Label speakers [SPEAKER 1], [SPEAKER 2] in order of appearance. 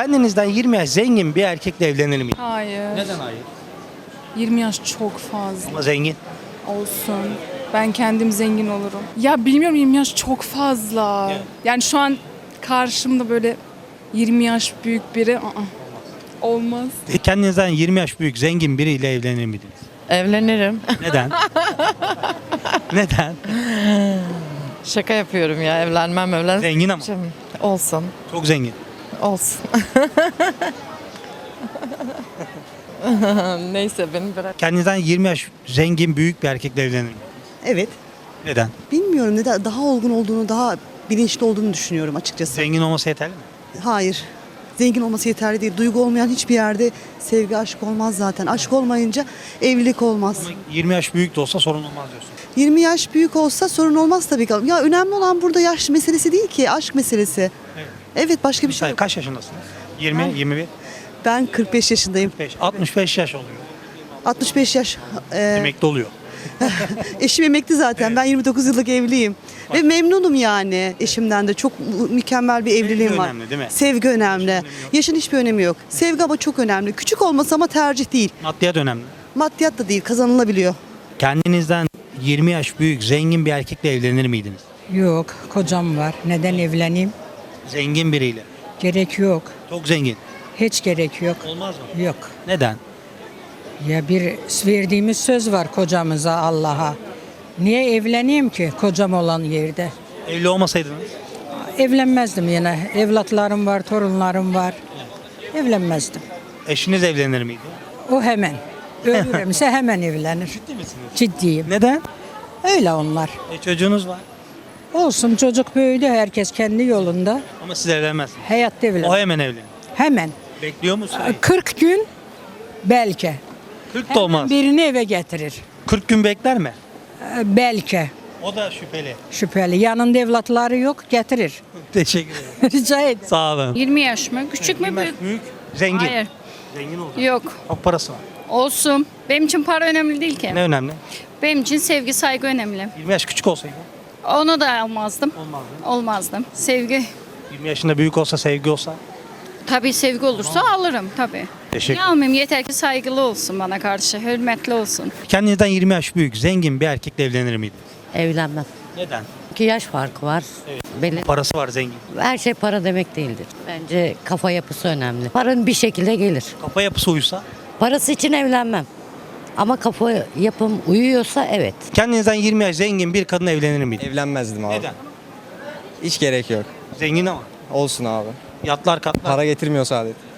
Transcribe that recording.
[SPEAKER 1] Kendinizden 20 yaş zengin bir erkekle evlenir miydiniz?
[SPEAKER 2] Hayır.
[SPEAKER 1] Neden hayır?
[SPEAKER 2] 20 yaş çok fazla
[SPEAKER 1] Ama zengin.
[SPEAKER 2] olsun. Ben kendim zengin olurum. Ya bilmiyorum, 20 yaş çok fazla.
[SPEAKER 1] Evet.
[SPEAKER 2] Yani şu an karşımda böyle 20 yaş büyük biri olmaz.
[SPEAKER 1] Kendinizden 20 yaş büyük zengin biriyle evlenir miydiniz?
[SPEAKER 3] Evlenirim.
[SPEAKER 1] Neden? Neden?
[SPEAKER 3] Şaka yapıyorum ya, evlenmem.
[SPEAKER 1] Zengin ama.
[SPEAKER 3] Olsun.
[SPEAKER 1] Çok zengin.
[SPEAKER 3] Olsun. Neyse, beni bırak.
[SPEAKER 1] Kendinizden 20 yaş zengin büyük bir erkekle evlenir miydiniz?
[SPEAKER 4] Evet.
[SPEAKER 1] Neden?
[SPEAKER 4] Bilmiyorum neden daha olgun olduğunu, daha bilinçli olduğunu düşünüyorum açıkçası.
[SPEAKER 1] Zengin olması yeterli mi?
[SPEAKER 4] Hayır. Zengin olması yeterli değil. Duygu olmayan hiçbir yerde sevgi, aşk olmaz zaten. Aşk olmayınca evlilik olmaz.
[SPEAKER 1] Ama 20 yaş büyük de olsa sorun olmaz diyorsun.
[SPEAKER 4] 20 yaş büyük olsa sorun olmaz tabii ki. Ya önemli olan burada yaş meselesi değil ki, aşk meselesi.
[SPEAKER 1] Evet.
[SPEAKER 4] Evet, başka bir şey
[SPEAKER 1] Mesela
[SPEAKER 4] yok.
[SPEAKER 1] kaç yaşındasınız? 20, 21,
[SPEAKER 4] Ben 45 yaşındayım.
[SPEAKER 1] 5, 65 yaş oluyor.
[SPEAKER 4] 65 yaş.
[SPEAKER 1] Emekli oluyor.
[SPEAKER 4] Eşim emekli zaten. Ben 29 yıllık evliyim. Ve memnunum yani eşimden de. Çok mükemmel bir evliliğim var.
[SPEAKER 1] önemli değil mi?
[SPEAKER 4] Sevgi önemli. Yaşın hiçbir önemi yok. Sevgi ama çok önemli. Küçük olması ama tercih değil.
[SPEAKER 1] Maddiyat önemli.
[SPEAKER 4] Maddiyat da değil, kazanılabiliyor.
[SPEAKER 1] Kendinizden 20 yaş büyük zengin bir erkekle evlenir miydiniz?
[SPEAKER 5] Yok, kocam var. Neden evleneyim?
[SPEAKER 1] Zengin biriyle.
[SPEAKER 5] Gerek yok.
[SPEAKER 1] Çok zengin.
[SPEAKER 5] Hiç gerek yok.
[SPEAKER 1] Olmaz mı?
[SPEAKER 5] Yok.
[SPEAKER 1] Neden?
[SPEAKER 5] Ya bir verdiğimiz söz var kocamıza, Allah'a. Niye evleneyim ki kocam olan yerde?
[SPEAKER 1] Evli olmasaydınız?
[SPEAKER 5] Evlenmezdim yine. Evlatlarım var, torunlarım var. Evlenmezdim.
[SPEAKER 1] Eşiniz evlenir miydi?
[SPEAKER 5] O hemen. Ölürümse hemen evlenir.
[SPEAKER 1] Ciddi misiniz?
[SPEAKER 5] Ciddiyim.
[SPEAKER 1] Neden?
[SPEAKER 5] Öyle onlar.
[SPEAKER 1] Çocuğunuz var.
[SPEAKER 5] Olsun, çocuk büyüdü. Herkes kendi yolunda.
[SPEAKER 1] Ama siz evlenmezsiniz.
[SPEAKER 5] Hayatta
[SPEAKER 1] O
[SPEAKER 5] evlenir.
[SPEAKER 1] hemen evlenir.
[SPEAKER 5] Hemen.
[SPEAKER 1] Bekliyor musun?
[SPEAKER 5] 40 gün belki.
[SPEAKER 1] 40 da olmaz.
[SPEAKER 5] Birini eve getirir.
[SPEAKER 1] 40 gün bekler mi?
[SPEAKER 5] Belki.
[SPEAKER 1] O da şüpheli.
[SPEAKER 5] Şüpheli. Yanında evlatları yok, getirir.
[SPEAKER 1] Teşekkür ederim.
[SPEAKER 5] Rica ederim.
[SPEAKER 1] Sağ olun.
[SPEAKER 6] 20 yaş mı? Küçük mü
[SPEAKER 1] 20 yaş
[SPEAKER 6] büyük?
[SPEAKER 1] büyük. Zengin.
[SPEAKER 6] Hayır.
[SPEAKER 1] Zengin olacak.
[SPEAKER 6] Yok.
[SPEAKER 1] Çok parası var.
[SPEAKER 6] Olsun. Benim için para önemli değil ki.
[SPEAKER 1] Ne önemli?
[SPEAKER 6] Benim için sevgi, saygı önemli.
[SPEAKER 1] 20 yaş küçük olsaydı.
[SPEAKER 6] Onu da almazdım.
[SPEAKER 1] Olmaz.
[SPEAKER 6] Olmazdım. Sevgi.
[SPEAKER 1] 20 yaşında büyük olsa, sevgi olsa.
[SPEAKER 6] Tabii sevgi olursa alırım tabii.
[SPEAKER 1] Teşekkür
[SPEAKER 6] Ne almayayım, yeter ki saygılı olsun bana karşı, hürmetli olsun.
[SPEAKER 1] Kendinizden 20 yaş büyük, zengin bir erkekle evlenir miydiniz?
[SPEAKER 7] Evlenmem.
[SPEAKER 1] Neden?
[SPEAKER 7] 2 yaş farkı var. Belli.
[SPEAKER 1] Parası var, zengin.
[SPEAKER 7] Her şey para demek değildir. Bence kafa yapısı önemli. Paranın bir şekilde gelir.
[SPEAKER 1] Kafa yapısı uysa.
[SPEAKER 7] Parası için evlenmem. Ama kafa yapım uyuyorsa evet.
[SPEAKER 1] Kendinizden 20 yaş zengin bir kadınla evlenir miydiniz?
[SPEAKER 8] Evlenmezdim abi.
[SPEAKER 1] Neden?
[SPEAKER 8] Hiç gerek yok.
[SPEAKER 1] Zengin ama.
[SPEAKER 8] Olsun abi.
[SPEAKER 1] Yatlar katlar.
[SPEAKER 8] Para getirmiyor saadet.